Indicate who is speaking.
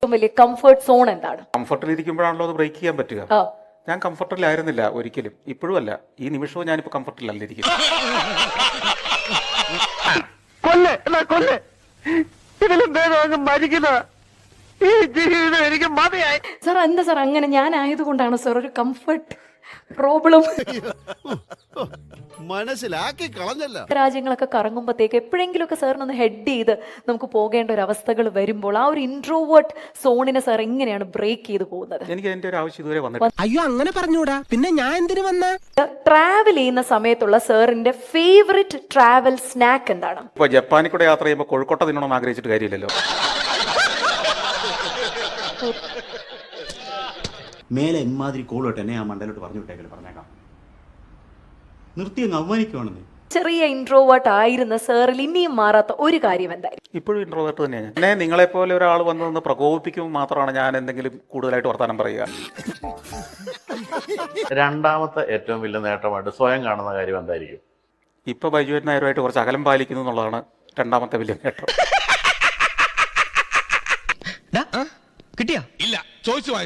Speaker 1: ഏറ്റവും വലിയ comfort zone എന്താണ്?
Speaker 2: കംഫർട്ടിൽ ഇരിക്കുമ്പോഴാണല്ലോ അത് ബ്രേക്ക് ചെയ്യാൻ പറ്റുക. ഞാൻ കംഫർട്ടിലായിരുന്നില്ല ഒരിക്കലും, ഇപ്പോഴും അല്ല, ഈ നിമിഷവും ഞാനിപ്പോ കംഫർട്ടിലല്ല ഇരിക്കുന്നത്.
Speaker 1: സാർ എന്താ സാർ അങ്ങനെ? ഞാൻ ആയതുകൊണ്ടാണ് സാർ ഒരു കംഫർട്ട് പ്രോബ്ലം.
Speaker 3: മനസ്സിലാക്കി കളഞ്ഞല്ല.
Speaker 1: രാജ്യങ്ങളൊക്കെ കറങ്ങുമ്പോഴത്തേക്ക് എപ്പോഴെങ്കിലുമൊക്കെ സാറിനൊന്ന് ഹെഡ് ചെയ്ത് നമുക്ക് പോകേണ്ട ഒരു അവസ്ഥകൾ വരുമ്പോൾ ആ ഒരു ഇൻട്രോവേർട്ട് സോണിനെ സാർ എങ്ങനെയാണ് ബ്രേക്ക് ചെയ്ത് പോകുന്നത്?
Speaker 2: എനിക്ക് അതിന്റെ ഒരു ആവശ്യം ഇതുവരെ വന്നിട്ടില്ല.
Speaker 4: അയ്യോ അങ്ങനെ പറഞ്ഞൂടാ, പിന്നെ ഞാൻ എന്തിനു വന്ന?
Speaker 1: ട്രാവൽ ചെയ്യുന്ന സമയത്തുള്ള സാറിന്റെ ഫേവറിറ്റ് ട്രാവൽ സ്നാക്ക് എന്താണ്?
Speaker 2: ഇപ്പൊ ജപ്പാനിൽ കൂടെ യാത്ര ചെയ്യുമ്പോൾ കോഴിക്കോട്ട തിന്നണമെന്ന് ആഗ്രഹിച്ചിട്ട് കാര്യമില്ലല്ലോ.
Speaker 5: മേലെ ഇമാതിരി കോളോട്ട് എന്നെ ആ മണ്ടലോട്ട് പറഞ്ഞു വിട്ടേക്കല്, പറഞ്ഞേക്കാം. നിർത്തി അങ്ങ് അവമാനിക്കുവാണെന്ന്.
Speaker 1: ചെറിയ ഇൻട്രോവേർട്ട് ആയിരുന്ന സാറിൽ ഇനിയും മാറാത്ത ഒരു കാര്യം എന്തായിരിക്കും?
Speaker 2: ഇപ്പോഴും ഇൻട്രോവേർട്ട് തന്നെയാണ്. എന്നെ നിങ്ങളെപ്പോലെ ഒരാൾ വന്ന് പ്രകോപിപ്പിക്കുമ്പോൾ മാത്രമാണ് ഞാൻ എന്തെങ്കിലും കൂടുതലായിട്ട് വർത്താനം പറയുക.
Speaker 6: രണ്ടാമത്തെ ഏറ്റവും വലിയ നേട്ടമായിട്ട് സ്വയം കാണുന്ന കാര്യം എന്തായിരിക്കും?
Speaker 2: ഇപ്പൊ ബൈജു നായരുമായിട്ട് കുറച്ച് അകലം പാലിക്കുന്നു എന്നുള്ളതാണ് രണ്ടാമത്തെ വലിയ നേട്ടം.
Speaker 4: കിട്ടിയാ?
Speaker 3: ഇല്ല, ചോദിച്ചു